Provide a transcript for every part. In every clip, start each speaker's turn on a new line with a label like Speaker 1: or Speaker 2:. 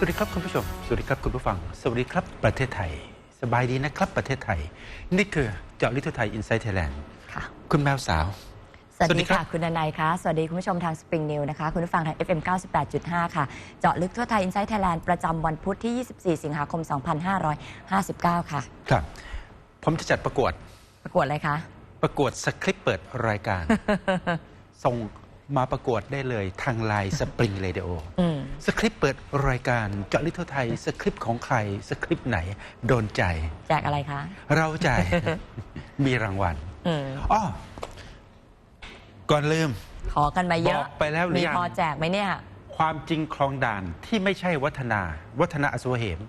Speaker 1: วัสดีครับคุณผู้ชมสวัสดีครับคุณผู้ฟังสวัสดีครับประเทศไทยสบายดีนะครับประเทศไทยนี่คือเจาะลึกทั่วไทย Inside Thailand
Speaker 2: ค่ะ
Speaker 1: คุณแมวสาว
Speaker 2: สวัสดีค่ะคุณนายคะสวัสดีคุณผู้ชมทาง Spring News นะคะคุณผู้ฟังทาง FM 98.5 ค่ะเจาะลึกทั่วไทย Inside Thailand ประจำวันพุธที่ 24 สิงหาคม 2559 ค่ะ
Speaker 1: ครับผมจะจัดประกวด
Speaker 2: อะไรคะ
Speaker 1: ประกวดสคริปต์เปิดรายการ ส่งมาประกวดได้เลยทางไลน์ Spring Radio สคริปต์เปิดรายการเจาะลึกทั่วไทยสคริปต์ของใครสคริปต์ไหนโดนใจ
Speaker 2: แจกอะไรคะ
Speaker 1: เราจ่าย มีรางวัลอ้อก่อนลืม
Speaker 2: ขอกันมาเยอะ
Speaker 1: บอกไปแล้วหรือยัง
Speaker 2: มีพอแจกไหมเนี่ย
Speaker 1: ความจริงคลองด่านที่ไม่ใช่วัฒนาอสวเหม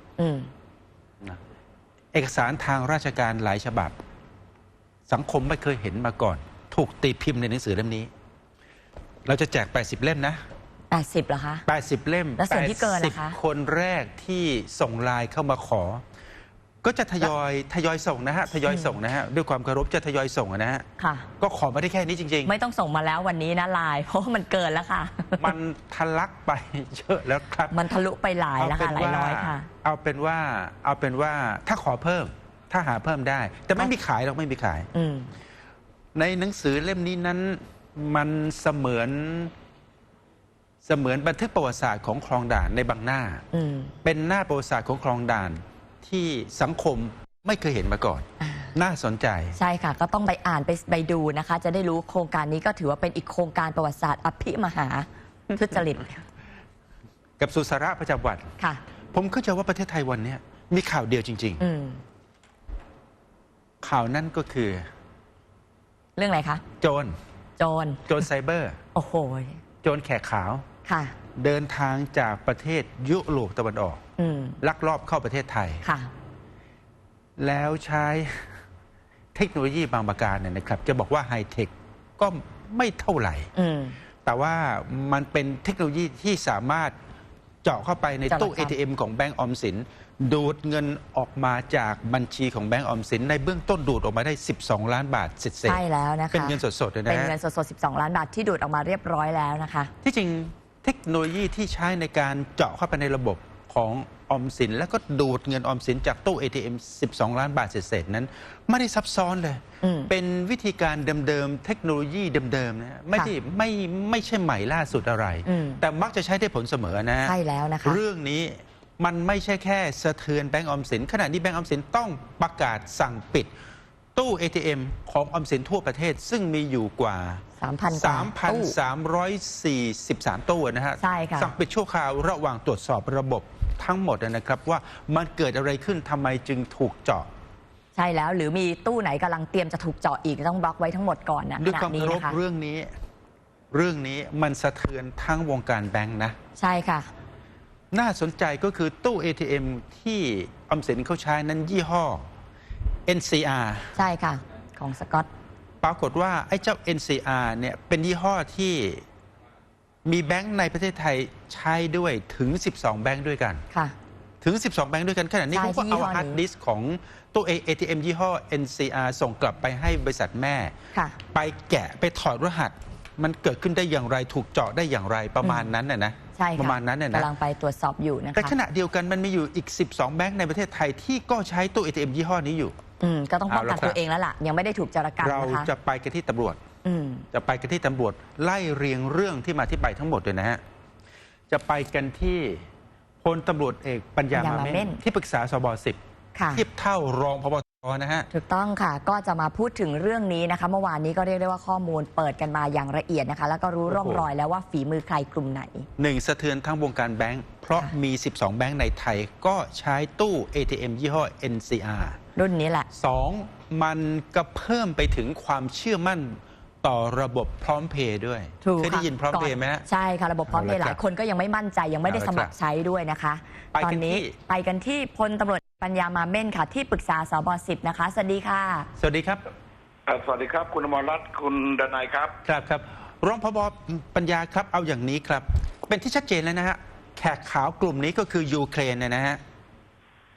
Speaker 1: เอกสารทางราชการหลายฉบับสังคมไม่เคยเห็นมาก่อนถูกตีพิมพ์ในหนังสือเล่มนี้เราจะแจก80เล่มนะ
Speaker 2: 80เหรอคะ
Speaker 1: 80เล่ม
Speaker 2: แล้วส่วนที่เกินล่ะคะ
Speaker 1: คนแรกที่ส่งไลน์เข้ามาขอก็จะทยอยส่งนะฮะด้วยความเคารพจะทยอยส่งนะฮะ
Speaker 2: ค่ะ
Speaker 1: ก็ขอมาได้แค่นี้จริง
Speaker 2: ๆไม่ต้องส่งมาแล้ววันนี้นะไลน์เพราะมันเกินแล้วค่ะ
Speaker 1: มันทะลักไปเยอะแล้วครับ
Speaker 2: มันทะลุไปหลายแล้วค่ะหลายร้อยค่ะ
Speaker 1: เอาเป็นว่าถ้าขอเพิ่มถ้าหาเพิ่มได้แต่ไม่มีขายหรอกไม่มีขายในหนังสือเล่มนี้นั้นมันเสมือนบันทึกประวัติศาสตร์ของคลองด่านในบางหน้าเป็นหน้าประวัติศาสตร์ของคลองด่านที่สังคมไม่เคยเห็นมาก่อนน่าสนใจ
Speaker 2: ใช่ค่ะก็ต้องไปอ่านไปดูนะคะจะได้รู้โครงการนี้ก็ถือว่าเป็นอีกโครงการประวัติศาสตร์อภิมหาทุจริต
Speaker 1: กับสุสาระประจำวัน
Speaker 2: ค่ะ
Speaker 1: ผมเข้าใจว่าประเทศไทยวันนี้มีข่าวเดียวจริงๆข่าวนั้นก็คือ
Speaker 2: เรื่องอะไรคะ
Speaker 1: โจรไซเบอร์
Speaker 2: โอ้โห
Speaker 1: โจรแขกขาว
Speaker 2: ค่ะ
Speaker 1: เดินทางจากประเทศยุโรปตะวันออกลักลอบเข้าประเทศไทย
Speaker 2: ค่ะ
Speaker 1: แล้วใช้เทคโนโลยีบางประการเนี่ยนะครับจะบอกว่าไฮเทคก็ไม่เท่าไหร่แต่ว่ามันเป็นเทคโนโลยีที่สามารถเจาะเข้าไปในตู้ ATM ของแบงก์ออมสินดูดเงินออกมาจากบัญชีของแบงก์ออมสินในเบื้องต้นดูดออกมาได้12 ล้านบาทเศษ
Speaker 2: ใช่แล้วนะคะ
Speaker 1: เป็นเงินสดๆเลยนะ
Speaker 2: เป็นเงินสดๆ12 ล้านบาทที่ดูดออกมาเรียบร้อยแล้วนะคะ
Speaker 1: ที่จริงเทคโนโลยีที่ใช้ในการเจาะเข้าไปในระบบของออมสินแล้วก็ดูดเงินออมสินจากตู้ ATM 12 ล้านบาทเศษนั้นไม่ได้ซับซ้อนเลยเป็นวิธีการเดิมๆเทคโนโลยีเดิมๆนะไม่ใช่ใหม่ล่าสุดอะไรแต่มักจะใช้ได้ผลเสมอนะ
Speaker 2: ใช่แล้วนะคะ
Speaker 1: เรื่องนี้มันไม่ใช่แค่สะเทือนแบงก์ออมสินขณะนี้แบงก์ออมสินต้องประกาศสั่งปิดตู้ ATM ของออมสินทั่วประเทศซึ่งมีอยู่กว่า 3,343 ตู้นะฮะ
Speaker 2: ใช่ค่ะ
Speaker 1: สั่งปิดชั่วคราวระหว่างตรวจสอบระบบทั้งหมดนะครับว่ามันเกิดอะไรขึ้นทำไมจึงถูกเจาะ
Speaker 2: ใช่แล้วหรือมีตู้ไหนกำลังเตรียมจะถูกเจาะอีกต้องบล็อกไว้ทั้งหมดก่อนนะ
Speaker 1: ด้วยความเคารพเรื่องนี้มันสะเทือนทั้งวงการแบงค์นะ
Speaker 2: ใช่ค่ะ
Speaker 1: น่าสนใจก็คือตู้ ATM ที่ออมสินเขาใช้นั้นยี่ห้อ NCR
Speaker 2: ใช่ค่ะของสกอต
Speaker 1: ปรากฏว่าไอ้เจ้า NCR เนี่ยเป็นยี่ห้อที่มีแบงค์ในประเทศไทยใช้ด้วยถึง12แบงค์ด้วยกัน
Speaker 2: ค่ะ
Speaker 1: ถึง12แบงค์ด้วยกันขณะนี้เขาก็เอาฮาร์ดดิสก์ของตู้ ATM ยี่ห้อ NCR ส่งกลับไปให้บริษัทแม่ไปแกะไปถอดรหัสมันเกิดขึ้นได้อย่างไรถูกเจาะได้อย่างไรประมาณนั้นนะ
Speaker 2: ใช่
Speaker 1: ประมาณนั้นนะ
Speaker 2: กำลังไปตรวจสอบอยู่นะคะ
Speaker 1: แต่ขณะเดียวกันมันมีอยู่อีก12แบงค์ในประเทศไทยที่ก็ใช้ตู้ ATM ยี่ห้อนี้อยู่
Speaker 2: ก็ต้องป้องกันตัวเองแล้วล่ะยังไม่ได้ถูกจารกรรม
Speaker 1: นะคะเราจะไปกันที่ตำรวจไล่เรียงเรื่องที่มาที่ไปทั้งหมดเลยนะฮะจะไปกันที่พลตำรวจเอกปัญญามาเม่นที่ปรึกษาสบ10เทียบเท่ารองผบ.นะฮะ
Speaker 2: ถูกต้องค่ะก็จะมาพูดถึงเรื่องนี้นะคะเมื่อวานนี้ก็เรียกได้ว่าข้อมูลเปิดกันมาอย่างละเอียดนะคะแล้วก็รู้ร่องรอยแล้วว่าฝีมือใครกลุ่มไหน
Speaker 1: 1สะเทือนทั้งวงการแบงค์เพราะมี12แบงค์ในไทยก็ใช้ตู้ ATM ยี่ห้อ NCR
Speaker 2: รุ่นนี้แหละ
Speaker 1: 2มันก็เพิ่มไปถึงความเชื่อมั่นต่อระบบพร้อมเพย์ด้วยเคยได้ยินพร้อมเพย์ไหม
Speaker 2: ใช่ค่ะระบบพร้อมเพย์หลายคนก็ยังไม่มั่นใจยังไม่ได้สมัครใช้ด้วยนะคะตอนนี้ไปกันที่พลตำรวจปัญญามาเม่นค่ะที่ปรึกษาสบ10นะคะสวัสดีค่ะ
Speaker 1: สวัสดีครับ
Speaker 3: สวัสดีครับคุณอมรรัตน์คุณดนัยครับ
Speaker 1: ครับรองผบ.ปัญญาครับเอาอย่างนี้ครับเป็นที่ชัดเจนแล้วนะฮะแขกขาวกลุ่มนี้ก็คือยูเครนนะฮะ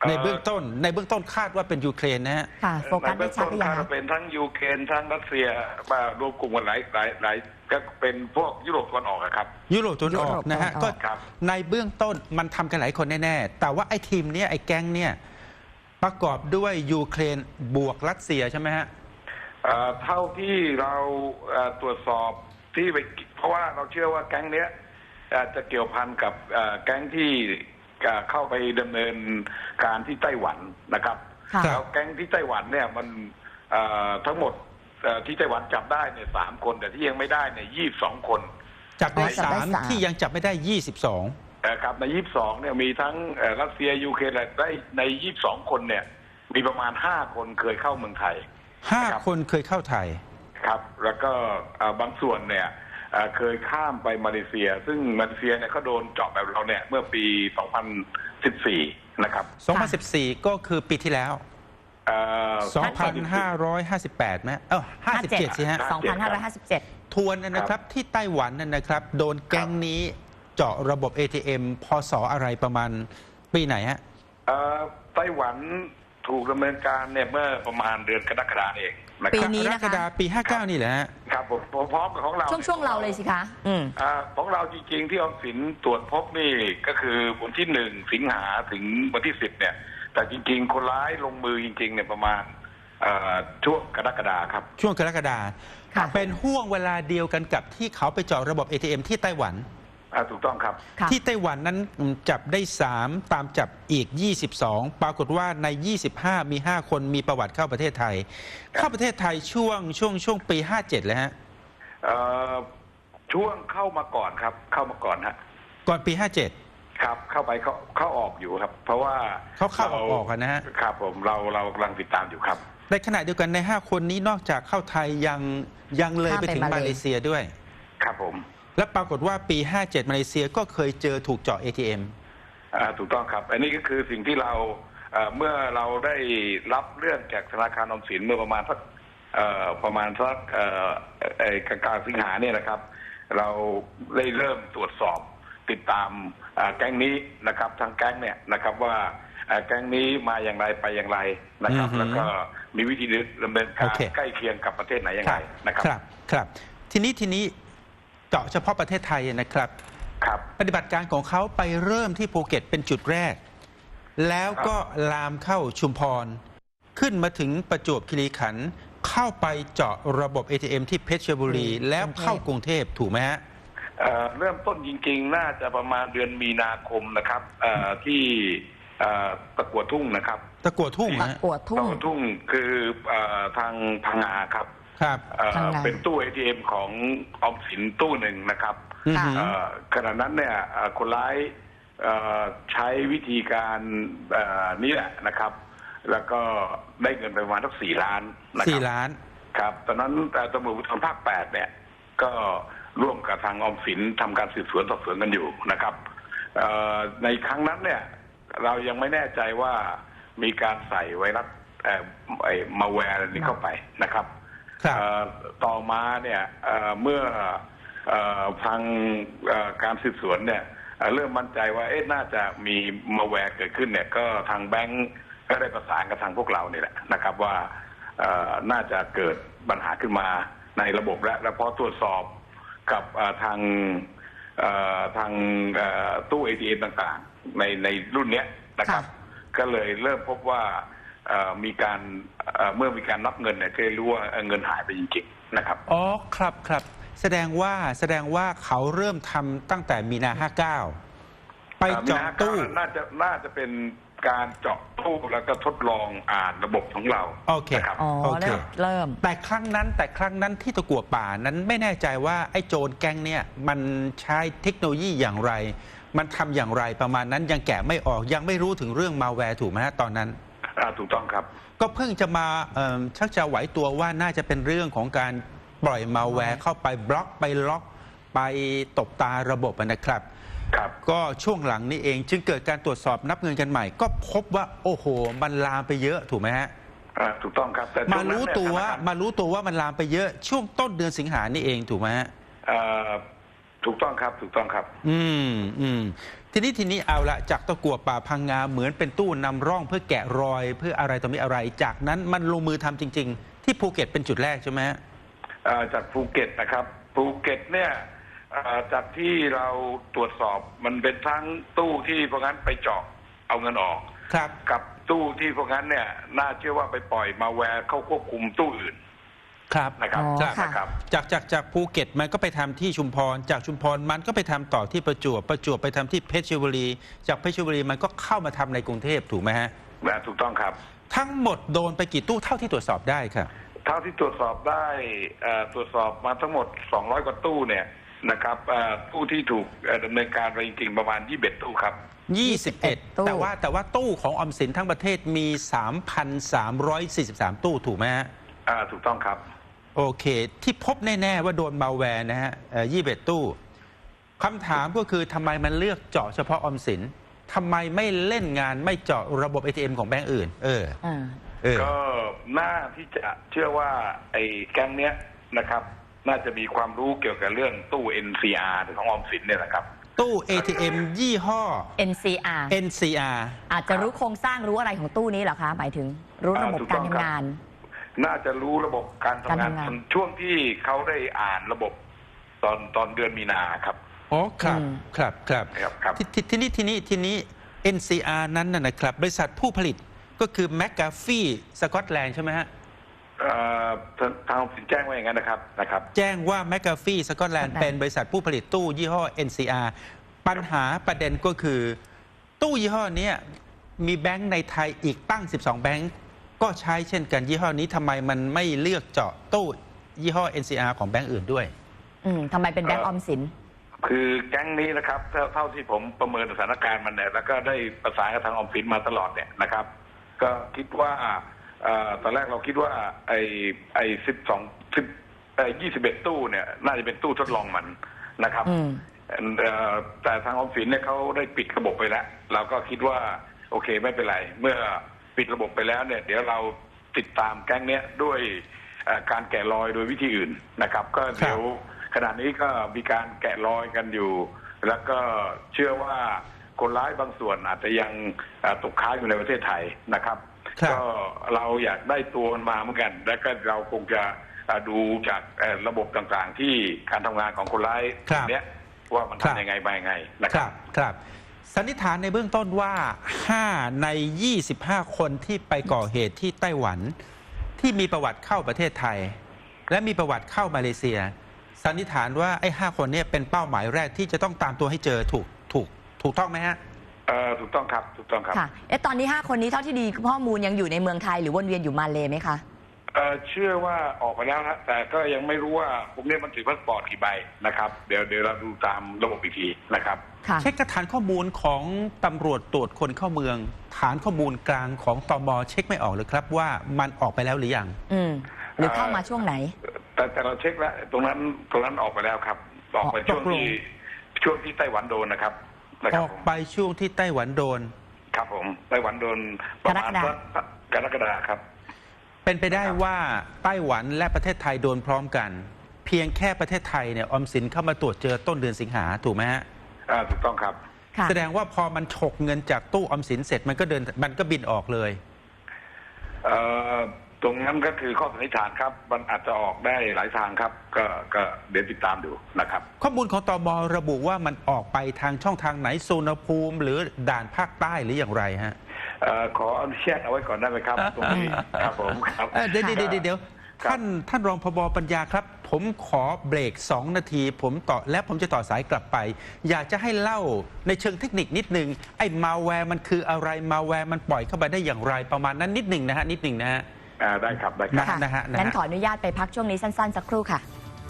Speaker 1: ในเบื้องต้นคาดว่าเป็นยูเครนนะฮะ
Speaker 2: ค่ะโฟกัสได้ชัดหรือยัง
Speaker 3: เป็นทั้งยูเครนทั้งรัสเซียมารวมกลุ่มกันหลายก็เป็นพวกยุโรปตะวันออกครับ
Speaker 1: ยุโรปตะวันออกนะฮะก็ในเบื้องต้นมันทำกันหลายคนแน่ๆแต่ว่าไอ้ทีมเนี้ยไอ้แก๊งเนี่ยประกอบด้วยยูเครนบวกรัสเซียใช่ไหมฮะ
Speaker 3: เท่าที่เราตรวจสอบที่ไปเพราะว่าเราเชื่อว่าแก๊งเนี้ยจะเกี่ยวพันกับแก๊งที่เข้าไปดำเนินการที่ไต้หวันนะครับแล้วแก๊งที่ไต้หวันเนี่ยมันทั้งหมดที่ไต้หวันจับได้เนี่ย3 คนแต่ที่ยังไม่ได้เนี่ย22 คน
Speaker 1: จับได้3ที่ยังจับไม่ได้22
Speaker 3: ครับใน22เนี่ยมีทั้งรัสเซียยูเครนและได้ใน22 คนเนี่ยมีประมาณ5 คนเคยเข้าเมืองไทย
Speaker 1: 5 คนเคยเข้าไทย
Speaker 3: ครับแล้วก็บางส่วนเนี่ยเคยข้ามไปมาเลเซียซึ่งมาเลเซียเนี่ยเขาโดนเจาะแบบเราเนี่ยเมื่อปี 2014 นะครับ
Speaker 1: 2014 ก็คือปีที่แล้ว2,558ไหม57สิฮะ
Speaker 2: 2,557
Speaker 1: ทวนนะครับที่ไต้หวันนะครับโดนแก๊งนี้เจาะระบบ ATM พศอะไรประมาณปีไหนฮะ
Speaker 3: ไต้หวันถูกดำเนินการเนี่ยเมื่อประมาณเดือนกรกฎาคมเอง
Speaker 2: ปีนี้นะคะ
Speaker 1: กรกฎาคมปี59นี่แหละ
Speaker 3: ครับผมพร้อมกับของเรา
Speaker 2: ช่วงเราเลยสิคะ
Speaker 3: ของเราจริงๆที่ออมสินตรวจพบนี่ก็คือวันที่1 สิงหาถึงวันที่10เนี่ยแต่จริงๆคนร้ายลงมือจริงๆเนี่ยประมาณช่วงกรกฎาคมครับ
Speaker 1: ช่วงกรกฎาคมเป็นห่วงเวลาเดียวกันกับที่เขาไปเจาะระบบ ATM ที่ไต้หวัน
Speaker 3: ถูกต้องครับ
Speaker 1: ที่ไต้หวันนั้นจับได้3ตามจับอีก22ปรากฏว่าใน25มี5คนมีประวัติเข้าประเทศไทยเข้าประเทศไทยช่วงปี57เลยฮะ
Speaker 3: ช่วงเข้ามาก่อนครับเข้ามาก่อนฮะ
Speaker 1: ก่อนปี57
Speaker 3: ครับเข้าไปเข้าออกอยู่ครับเพราะว่า
Speaker 1: เขาเข้าออกกันนะฮะ
Speaker 3: ครับผมเรากำลังติดตามอยู่ครับ
Speaker 1: ในขณะเดียวกันใน5คนนี้นอกจากเข้าไทยยังเลยไปถึงมาเลเซียด้วย
Speaker 3: ครับผม
Speaker 1: และปรากฏว่าปี57มาเลเซียก็เคยเจอถูกเจาะ ATM
Speaker 3: ถูกต้องครับอันนี้ก็คือสิ่งที่เราเมื่อเราได้รับเรื่องจากธนาคารออมสินเมื่อประมาณสักกลางสิงหาเนี่ยนะครับเราได้เริ่มตรวจสอบติดตามแก๊งนี้นะครับทางแก๊งเนี่ยนะครับว่าแก๊งนี้มาอย่างไรไปอย่างไรนะครับแล้วก็มีวิธีดำเนินการใกล้เคียงกับประเทศไหนอย่างไรนะครับ
Speaker 1: ครับทีนี้เจาะเฉพาะประเทศไทยนะครับปฏิบัติการของเขาไปเริ่มที่ภูเก็ตเป็นจุดแรกแล้วก็ลามเข้าชุมพรขึ้นมาถึงประจวบคีรีขันธ์เข้าไปเจาะระบบ ATM ที่เพชรบุรีแล้วเข้ากรุงเทพถูกไหมฮะ
Speaker 3: เริ่มต้นจริงๆน่าจะประมาณเดือนมีนาคมนะครับที่ตะกั่วทุ่งนะครับ
Speaker 1: ตะกั่วทุ่ง
Speaker 3: คือทางพังงาครับเป็นตู้ ATM ของออมสินตู้หนึ่งนะครับขณะนั้นเนี่ยคนร้ายใช้วิธีการนี้แหละนะครับแล้วก็ได้เงินไปประมาณสัก4 ล้าน
Speaker 1: นะครับ4 ล้าน
Speaker 3: ครับตอนนั้นตำรวจภูธรภาค8เนี่ยก็ร่วมกับทางออมสินทำการสืบสวนสอบสวนกันอยู่นะครับในครั้งนั้นเนี่ยเรายังไม่แน่ใจว่ามีการใส่ไวรัสมาแวร์นี้เข้าไปนะครับต่อมาเนี่ยเมื่อทางการสืบสวนเนี่ยเริ่มมั่นใจว่าน่าจะมีมาแวร์เกิดขึ้นเนี่ยก็ทางแบงก์ก็ได้ประสานกับทางพวกเราเนี่ยแหละนะครับว่าน่าจะเกิดปัญหาขึ้นมาในระบบและพอตรวจสอบกับทางตู้ ATM ต่างๆในรุ่นนี้นะครับก็เลยเริ่มพบว่ามีการเมื่อมีการนับเงินเนี่ยก็รู้ว่าเงินหายไปจริงๆนะครับ
Speaker 1: อ๋อครับแสดงว่าเขาเริ่มทำตั้งแต่มีนา59ไปเจาะตู้
Speaker 3: น่าจะเป็นการเจาะตู้แล้วก็ทดลองอ่านระบบของเรา
Speaker 1: โอเค
Speaker 2: เริ่ม
Speaker 1: แต่ครั้งนั้นที่ตะกั่วป่านั้นไม่แน่ใจว่าไอ้โจรแก๊งเนี่ยมันใช้เทคโนโลยีอย่างไรมันทำอย่างไรประมาณนั้นยังแกะไม่ออกยังไม่รู้ถึงเรื่องมาแวร์ถูกไหมฮะตอนนั้น
Speaker 3: ถูกต้องครับ
Speaker 1: ก็เพิ่งจะมาชักจะไหวตัวว่าน่าจะเป็นเรื่องของการปล่อยมาแวร์เข้าไปบล็อกไปล็อกไปตบตาระบบนะครับก็ช่วงหลังนี้เองจึงเกิดการตรวจสอบนับเงินกันใหม่ก็พบว่าโอ้โหมันลามไปเยอะถูกไหมฮะ
Speaker 3: ถูกต้องครับแต่
Speaker 1: มารู้ตัวว่ามันลามไปเยอะช่วงต้นเดือนสิงหานี่เองถูกไหมฮะ
Speaker 3: ถูกต้องครับ
Speaker 1: ทีนี้เอาละจากตะกั่วป่าพังงาเหมือนเป็นตู้นำร่องเพื่อแกะรอยเพื่ออะไรต่อมีอะไรจากนั้นมันลงมือทำจริง ๆ ที่ภูเก็ตเป็นจุดแรกใช่ไหมฮะ
Speaker 3: จากภูเก็ตนะครับภูเก็ตเนี่ยจากที่เราตรวจสอบมันเป็นทั้งตู้ที่พวกนั้นไปเจาะเอาเงินออก
Speaker 1: ครับ
Speaker 3: กับตู้ที่พวกนั้นเนี่ยน่าเชื่อว่าไปปล่อยมาแวร์เข้าควบคุมตู้อื่น
Speaker 1: ครับ
Speaker 3: นะครับ
Speaker 1: จากภูเก็ตมันก็ไปทำที่ชุมพรจากชุมพรมันก็ไปทำต่อที่ประจวบไปทำที่เพชรบุรีจากเพชรบุรีมันก็เข้ามาทำในกรุงเทพถูกไหมฮะ
Speaker 3: ถูกต้องครับ
Speaker 1: ทั้งหมดโดนไปกี่ตู้เท่าที่ตรวจสอบได้ครับ
Speaker 3: เท่าที่ตรวจสอบได้ตรวจสอบมาทั้งหมด200กว่าตู้เนี่ยนะครับตู้ที่ถูกดำเนินการไปจริงๆประมาณ21ตู้ครับ
Speaker 1: 21แต่ว่าตู้ของออมสินทั้งประเทศมี 3,343 ตู้ถูกไหมฮะ
Speaker 3: ถูกต้องครับ
Speaker 1: โอเคที่พบแน่ๆว่าโดนมัลแวร์นะฮะ21ตู้คำถามก็คือทำไมมันเลือกเจาะเฉพาะออมสินทำไมไม่เล่นงานไม่เจาะระบบ ATM ของแบงก์อื่น
Speaker 3: ก็น่าที่จะเชื่อว่าไอ้แก๊งเนี้ยนะครับน่าจะมีความรู้เกี่ยวกับเรื่องตู้ NCR ของออมสินเนี่ยนะครับ
Speaker 1: ตู้ ATM ยี่ห้อ
Speaker 2: NCR อาจจะรู้โครงสร้างรู้อะไรของตู้นี้เหรอคะหมายถึงรู้ระบบการทำงาน
Speaker 3: น่าจะรู้ระบบการทำงานช่วงที่เขาได้อ่านระบบตอนเดือนมีนาครับ
Speaker 1: อ๋อครับทีนี้ NCR นั้นนะครับบริษัทผู้ผลิตก็คือ McAfee สกอตแลนด์ใช่ไหมฮะ
Speaker 3: ทางสินแจ้งว่าอย่างนั้นนะครับ
Speaker 1: แจ้งว่า McAfee สกอตแลนด์เป็นบริษัทผู้ผลิตตู้ยี่ห้อ NCR ปัญหาประเด็นก็คือตู้ยี่ห้อนี้มีแบงก์ในไทยอีกตั้ง12แบงก์ก็ใช้เช่นกันยี่ห้อนี้ทำไมมันไม่เลือกเจาะตู้ยี่ห้อ NCR ของแบงก์อื่นด้วย
Speaker 2: ทำไมเป็นแบงก์ออมสิน
Speaker 3: คือแก๊งนี้นะครับเท่าที่ผมประเมินสถานการณ์มันเนี่ยแล้วก็ได้ประสานกับทางออมสินมาตลอดเนี่ยนะครับก็คิดว่าตอนแรกเราคิดว่าไอ้21ตู้เนี่ยน่าจะเป็นตู้ทดลองมันนะครับแต่ทางออมสินเนี่ยเขาได้ปิดระบบไปแล้วเราก็คิดว่าโอเคไม่เป็นไรเมื่อปิดระบบไปแล้วเนี่ยเดี๋ยวเราติดตามแก๊งเนี้ยด้วยการแกะรอยโดยวิธีอื่นนะครับก็เดี๋ยวขณะนี้ก็มีการแกะรอยกันอยู่แล้วก็เชื่อว่าคนร้ายบางส่วนอาจจะยังตกค้างอยู่ในประเทศไทยนะครับก็เราอยากได้ตัวมันมาเหมือนกันแล้วก็เราคงจะดูจากระบบต่างๆที่การทำงานของคนร้ายเนี้ยว่ามันทำยังไงไปยังไง
Speaker 1: นะครับสันนิษฐานในเบื้องต้นว่า5ใน25คนที่ไปก่อเหตุที่ไต้หวันที่มีประวัติเข้าประเทศไทยและมีประวัติเข้ามาเลเซียสันนิษฐานว่าไอ้5คนนี้เป็นเป้าหมายแรกที่จะต้องตามตัวให้เจอถูกต้องไหมฮะ
Speaker 3: ถูกต้องครับ
Speaker 2: ค่ะตอนนี้5คนนี้เท่าที่ดีข้อมูลยังอยู่ในเมืองไทยหรือวนเวียนอยู่มาเลไหมคะ
Speaker 3: เชื่อว่าออกไปแล้วนะแต่ก็ยังไม่รู้ว่าพวกนี้มันถือพาสปอร์ตกี่ใบนะครับเดี๋ยวเราดูตามระบบอีกทีนะครับ
Speaker 1: เช็คฐานข้อมูลของตำรวจตรวจคนเข้าเมืองฐานข้อมูลกลางของตม.เช็คไม่ออกเลยครับว่ามันออกไปแล้วหรือยัง
Speaker 2: หรือเข้ามาช่วงไหน
Speaker 3: แต่เราเช็คแล้วตรงนั้นออกไปแล้วครับออกไปช่วงที่ไต้หวันโดนนะครับ
Speaker 1: ออกไปช่วงที่ไต้หวันโดน
Speaker 3: ครับผมไต้หวันโดนประมาณกรกฎาคมครับ
Speaker 1: เป็นไปได้ว่าไต้หวันและประเทศไทยโดนพร้อมกันเพียงแค่ประเทศไทยเนี่ยออมสินเข้ามาตรวจเจอต้นเดือนสิงหาถูกไหมฮะ
Speaker 3: ถูกต้องครับ
Speaker 1: แสดงว่าพอมันฉกเงินจากตู้ออมสินเสร็จมันก็บินออกเลย
Speaker 3: ตรงนั้นก็คือข้อสันนิษฐานครับมันอาจจะออกได้หลายทางครับก็เดี๋ยวติดตามดูนะครับ
Speaker 1: ข้อมูลของตม.ระบุว่ามันออกไปทางช่องทางไหนสุวรรณภูมิหรือด่านภาคใต้หรืออย่างไรฮะ
Speaker 3: ขออนุญาตเอาไว้ก่อนได้ไหมครับตรงนี้ครับผมครับ
Speaker 1: เดี๋ยวท่านรองผบ.ปัญญาครับผมขอเบรก2 นาทีผมจะต่อสายกลับไปอยากจะให้เล่าในเชิงเทคนิคนิดนึงไอ้มาแวร์มันคืออะไรมาแวร์มันปล่อยเข้าไปได้อย่างไรประมาณนั้นนิดนึงนะฮะ
Speaker 3: ได้ครับ
Speaker 2: งั้นขออนุญาตไปพักช่วงนี้สั้นๆสักครู่ค่ะ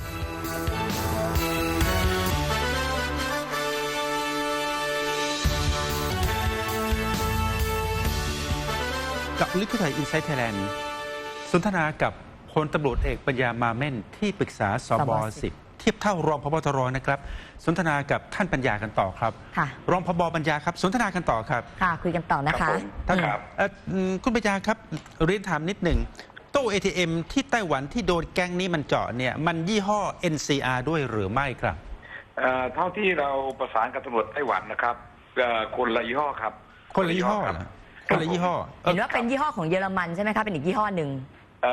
Speaker 1: กับลึกเข้าไทยอินไซต์ไทยแลนด์สนทนากับพลตำรวจเอกปัญญามาเม่นที่ปรึกษาสบ10เทียบเท่ารองผบ.ตรนะครับสนทนากับท่านปัญญากันต่อครับรองผบ.ปัญญาครับสนทนากันต่อครับ
Speaker 2: คุยกันต่อนะคะ
Speaker 3: ท่านครับ
Speaker 1: คุณปัญญาครับเรียนถามนิดหนึ่งตู้ ATM ที่ไต้หวันที่โดนแก๊งนี้มันเจาะเนี่ยมันยี่ห้อ NCR ด้วยหรือไม่ครับ
Speaker 3: เท่าที่เราประสานกับตำรวจไต้หวันนะครับคนละยี่ห้อครับ
Speaker 1: คนละยี่ห้อเหรอคนละยี่ห้อ
Speaker 2: เห็นว่าเป็นยี่ห้อของเยอรมันใช่ไหมคะเป็นอีกยี่ห้อหนึ่ง
Speaker 3: อ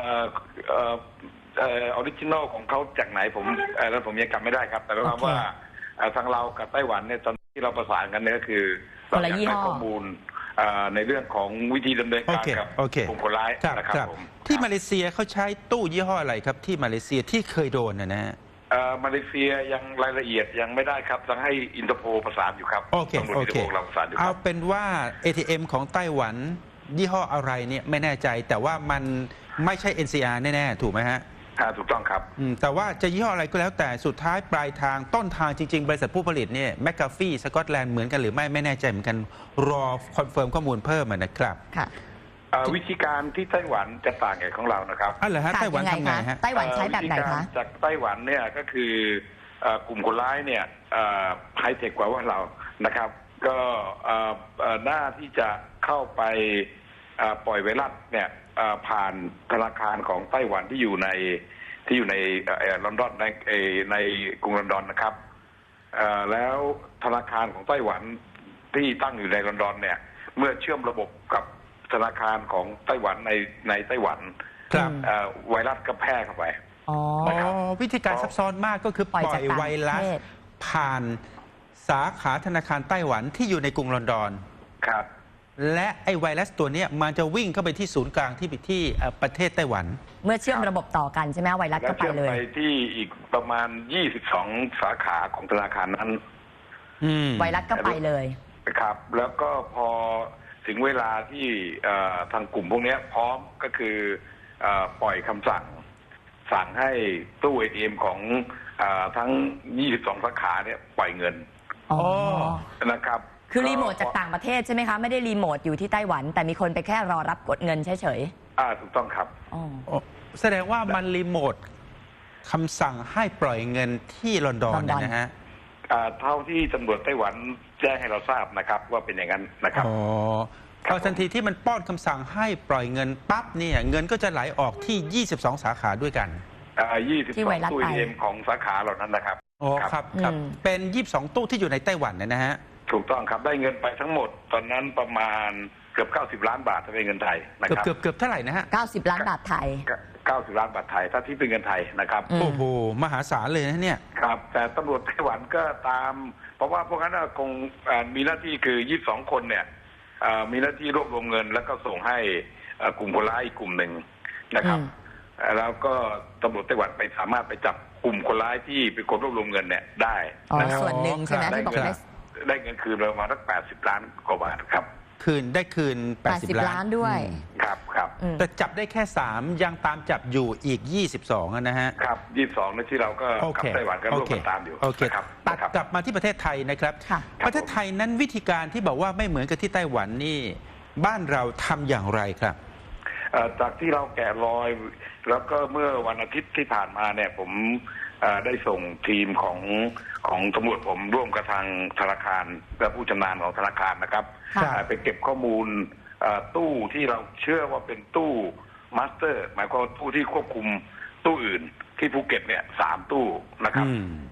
Speaker 3: อริจินอลของเขาจากไหนแล้วผมยังจำไม่ได้ครับแต่เราว่าทางเรากับไต้หวันเนี่ยตอนที่เราประสานกันเนี่ยก็คือเราอยากได้ข้อมูลในเรื่องของวิธีดำเนินการกับกลุ่มคนร้ายนะครับผม
Speaker 1: ที่มาเลเซียเขาใช้ตู้ยี่ห้ออะไรครับที่มาเลเซียที่เคยโดนนะฮะ
Speaker 3: มาเลเซียยังรายละเอียดยังไม่ได้ครับต้องให้อินเตอร์โพลประสานอยู่ครับ
Speaker 1: โอเค
Speaker 3: เราประสานอยู่
Speaker 1: เอาเป็นว่า ATM ของไต้หวันยี่ห้ออะไรเนี่ยไม่แน่ใจแต่ว่ามันไม่ใช่ NCR แน่ๆถูกไหมฮะ
Speaker 3: ถูกต้องครับ
Speaker 1: แต่ว่าจะยี่ห้ออะไรก็แล้วแต่สุดท้ายปลายทางต้นทางจริงๆบริษัทผู้ผลิตเนี่ยแมคกาฟี่สกอตแลนด์เหมือนกันหรือไม่แน่ใจเหมือนกันรอคอนเฟิร์มข้อมูลเพิ่มนะครับ
Speaker 2: ค่ะ
Speaker 3: วิธีการที่ไต้หวันจะต่างจากของเรานะครับ
Speaker 1: เหรอฮะไต้หวันทำไงฮะ
Speaker 2: ไต้หวันใช้แบบไหนคะ
Speaker 3: จากไต้หวันเนี่ยก็คือกลุ่มคนร้ายเนี่ยไฮเทคกว่าเรานะครับก็หน้าที่จะเข้าไปปล่อยไวรัสเนี่ยผ่านธนาคารของไต้หวันที่อยู่ในลอนดอนในกรุงลอนดอนนะครับแล้วธนาคารของไต้หวันที่ตั้งอยู่ในลอนดอนเนี่ยเมื่อเชื่อมระบบกับธนาคารของไต้หวันในไต้หวันไวรัสก็แพร่เข้าไป
Speaker 1: วิธีการซับซ้อนมากก็คือปล่อยไวรัสผ่านสาขาธนาคารไต้หวันที่อยู่ในกรุงลอนดอน
Speaker 3: ครับ
Speaker 1: และไอไวรัสตัวนี้มันจะวิ่งเข้าไปที่ศูนย์กลางที่ประเทศไต้หวัน
Speaker 2: เมื่อเชื่อมระบบต่อกันใช่ไหมไวรัสก็ไปเลย
Speaker 3: ไปที่อีกประมาณ22สาขาของธนาคารนั้น
Speaker 2: ไวรัสก็ไปเลย
Speaker 3: ครับแล้วก็พอถึงเวลาที่ทางกลุ่มพวกนี้พร้อมก็คือปล่อยคำสั่งให้ตู้ ATM ของทั้ง22สาขาเนี่ยปล่อยเงินนะครับ
Speaker 2: คือรีโมทจากต่างประเทศใช่ไหมคะไม่ได้รีโมทอยู่ที่ไต้หวันแต่มีคนไปแค่รอรับกดเงินเฉย
Speaker 3: ๆถูกต้องครับ
Speaker 1: แสดงว่ามันรีโมทคำสั่งให้ปล่อยเงินที่ลอนดอนนะฮะ
Speaker 3: เท่าที่ตำรวจไต้หวันแจ้งให้เราทราบนะครับว่าเป็นอย่างนั้นนะครับ
Speaker 1: พอทันทีที่มันป้อนคำสั่งให้ปล่อยเงินปั๊บเนี่ยเงินก็จะไหลออกที่22สาขาด้วยกัน
Speaker 3: 22ตู้ ATM ของสาขาเหล่านั้นนะครับ
Speaker 1: ครับเป็น22ตู้ที่อยู่ในไต้หวันนะฮะ
Speaker 3: ถูกต้องครับได้เงินไปทั้งหมดตอนนั้นประมาณเกือบ90ล้านบาทถ้าเป็นเงินไทยนะครับ
Speaker 1: เกือบเท่าไหร่นะฮะ
Speaker 2: 90ล้านบาทไทย
Speaker 3: 90ล้านบาทไทยถ้าที่เป็นเงินไทยนะครับ
Speaker 1: โอ้โหมหาศาลเลยนะเนี่ย
Speaker 3: ครับแต่ตำรวจไต้หวันก็ตามเพราะว่าพวกนั้นคงมีหน้าที่คือ22คนเนี่ยมีหน้าที่รวบรวมเงินแล้วก็ส่งให้กลุ่มคนร้ายอีกกลุ่มหนึ่งนะครับแล้วก็ตำรวจไต้หวันไปสามารถไปจับกลุ่มคนร้ายที่เป็นคนรวบรวมเงินเนี่ยได้
Speaker 2: ส่วนหนึ่งใช่ไหมที่บอก
Speaker 3: ได้เงินคืนประมาณสัก80ล้านกว่าบาทครับ
Speaker 1: ได้คืน80ล้าน
Speaker 2: ด้วย
Speaker 3: ครับ
Speaker 1: แต่จับได้แค่3ยังตามจับอยู่อีก22นะฮะ
Speaker 3: ครับ22ในที่เราก็กับไต้หวันก็ร่วมกันตามอยู่
Speaker 1: ครับกลับมาที่ประเทศไทยนะครับประเทศไทยนั้นวิธีการที่บอกว่าไม่เหมือนกับที่ไต้หวันนี่บ้านเราทำอย่างไรครับ
Speaker 3: จากที่เราแกะรอยแล้วก็เมื่อวันอาทิตย์ที่ผ่านมาเนี่ยผมได้ส่งทีมของตำรวจผมร่วมกับทางธนาคารและผู้ชำนาญของธนาคารนะครับไปเก็บข้อมูลตู้ที่เราเชื่อว่าเป็นตู้มาสเตอร์หมายความว่าตู้ที่ควบคุมตู้อื่นที่ภูเก็ตเนี่ย3ตู้นะครับ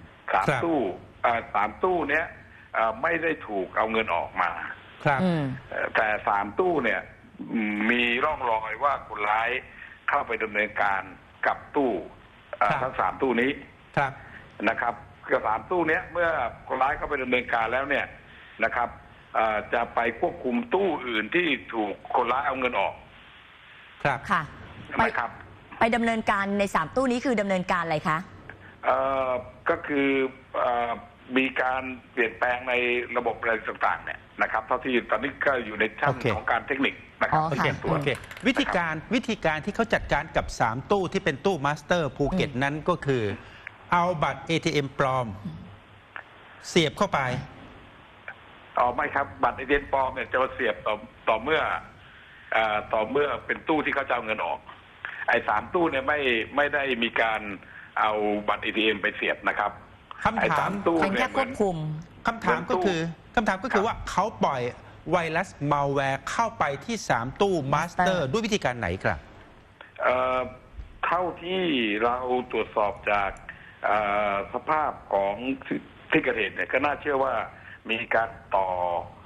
Speaker 3: 3ตู้เนี้ยไม่ได้ถูกเอาเงินออกมาแต่3ตู้เนี่ยมีร่องรอยว่าคนร้ายเข้าไปดำเนินการกับตู้ทั้ง3ตู้นี้นะครับกับ3ตู้เนี้ยเมื่อคนร้ายเข้าไปดำเนินการแล้วเนี่ยนะครับจะไปควบคุมตู้อื่นที่ถูกคนร้ายเอาเงินออก
Speaker 2: ค่ะไปดำเนินการใน3ตู้นี้คือดำเนินการอะไรคะ
Speaker 3: ก็คือมีการเปลี่ยนแปลงในระบบอะไรต่างๆเนี่ยนะครับเท่าที่ตอนนี้ก็อยู่ในชั้นของการเทคนิคนะครับ
Speaker 1: วิธีการที่เขาจัดการกับ3ตู้ที่เป็นตู้มาสเตอร์ภูเก็ตนั้นก็คือเอาบัตร ATM ปลอมเสียบเข้าไป
Speaker 3: ไม่ครับบัตร ATM ปลอมเนี่ยจะเสียบต่อเมื่อเป็นตู้ที่เขาจะเอาเงินออกไอ้3ตู้เนี่ยไม่ได้มีการเอาบัตร ATM ไปเสียบนะครับ
Speaker 1: คำถาม
Speaker 2: เป็นแค่ควบคุม
Speaker 1: คำถามก็คือว่าเขาปล่อยไวรัสมัลแวร์เข้าไปที่3ตู้มาสเตอร์ด้วยวิธีการไหนครับ
Speaker 3: เท่าที่เราตรวจสอบจากสภาพของที่เกิดเหตุเนี่ยก็น่าเชื่อว่ามีการต่อ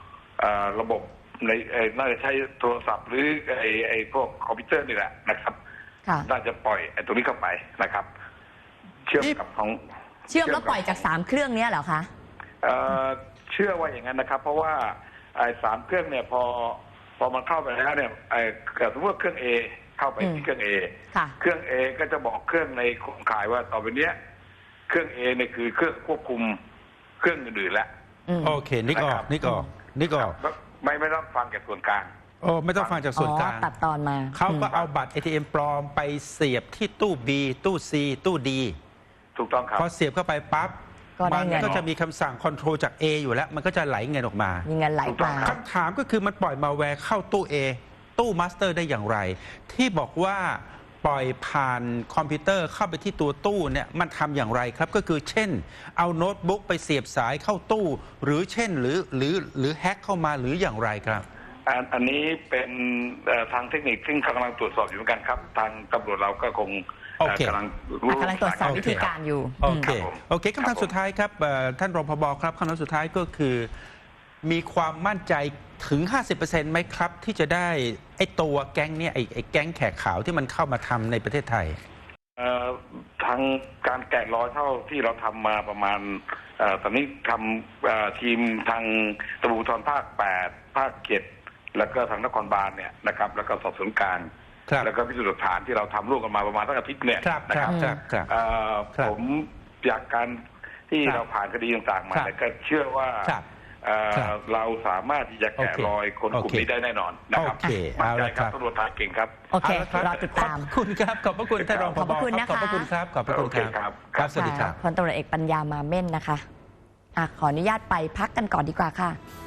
Speaker 3: ระบบในน่าจะใช้โทรศัพท์หรือไอ้พวกคอมพิวเตอร์นี่แหละนะครับน่าจะปล่อยไอ้ตรงนี้เข้าไปนะครับ เชื่อมกับของ
Speaker 2: เชื่อมแล้วปล่อยจาก3เครื่องนี้เหรอคะ
Speaker 3: เชื่อว่าอย่างนั้นนะครับ เพราะว่าไอ้3เครื่องเนี่ยพอมันเข้าไปแล้วเนี่ยสมมติว่าเครื่อง A เข้าไปที่เครื่อง A เครื่อง A ก็จะบอกเครื่องในโครงข่ายว่าต่อไปเนี้ยเครื่อง A เนี่ยคือเครื่องควบคุมเครื่องอื่นๆแล้ว
Speaker 1: โอเคนึกออก
Speaker 3: ไม่ต้องฟังจากส่วนกลาง
Speaker 1: โอ้ไม่ต้องฟังจากส่วนกลาง
Speaker 2: ตัดตอนมา
Speaker 1: เขาก็เอาบัตร ATM ปลอมไปเสียบที่ตู้ B ตู้ C ตู้ D
Speaker 3: ถูกต้องครับ
Speaker 1: พอเสียบเข้าไปปั๊บมันก็จะมีคำสั่งคอนโทรลจาก A อยู่แล้วมันก็จะไหลเงินออกมา
Speaker 2: มีเงินไหลมา
Speaker 1: คำถามก็คือมันปล่อยมาแวร์เข้าตู้ A ตู้มาสเตอร์ได้อย่างไรที่บอกว่าปล่อยผ่านคอมพิวเตอร์เข้าไปที่ตัวตู้เนี่ยมันทำอย่างไรครับก็คือเช่นเอาโน้ตบุ๊กไปเสียบสายเข้าตู้หรือเช่นหรือแฮ็กเข้ามาหรืออย่างไรครับ
Speaker 3: อันนี้เป็นทางเทคนิคซึ่งกำลังตรวจสอบอยู่เหมือนกันครับทางตำรวจเราก็คงกำลัง
Speaker 2: ตรวจสอบวิธีการอยู่
Speaker 1: โอเคคำถามสุดท้ายครับท่านรองผบ.ครับคำถามสุดท้ายก็คือมีความมั่นใจถึง 50% ไหมครับที่จะได้ไอ้ตัวแก๊งเนี่ยไอ้แก๊งแขกขาวที่มันเข้ามาทำในประเทศไทย
Speaker 3: ทางการแกะรอยเท่าที่เราทำมาประมาณตอนนี้ทำทีมทางตำรวจภูธรภาค 8 ภาค 7 แล้วก็ทางนครบาลเนี่ยนะครับแล้วก็สอบสวนกลางแล้วก็พิสูจน์หลักฐานที่เราทำร่วมกันมาประมาณตั้งอาทิตย์เนี่ยนะครับผมจากการที่เราผ่านคดีต่างๆมาก็เชื่อว่าเราสามารถที่จะแกะรอยคนกลุ่มนี้ได้แน่นอนนะครับมั่นใจครับตำรวจไทยเก่งครับ
Speaker 2: โอเครอติดตาม
Speaker 1: ขอบคุณครับขอบพระคุณท่านรองผบ.ขอบพระคุณครับขอบพระคุณครับสวัสดีครับ
Speaker 2: พลตำรวจเอกปัญญามาเม่นนะคะขออนุญาตไปพักกันก่อนดีกว่าค่ะ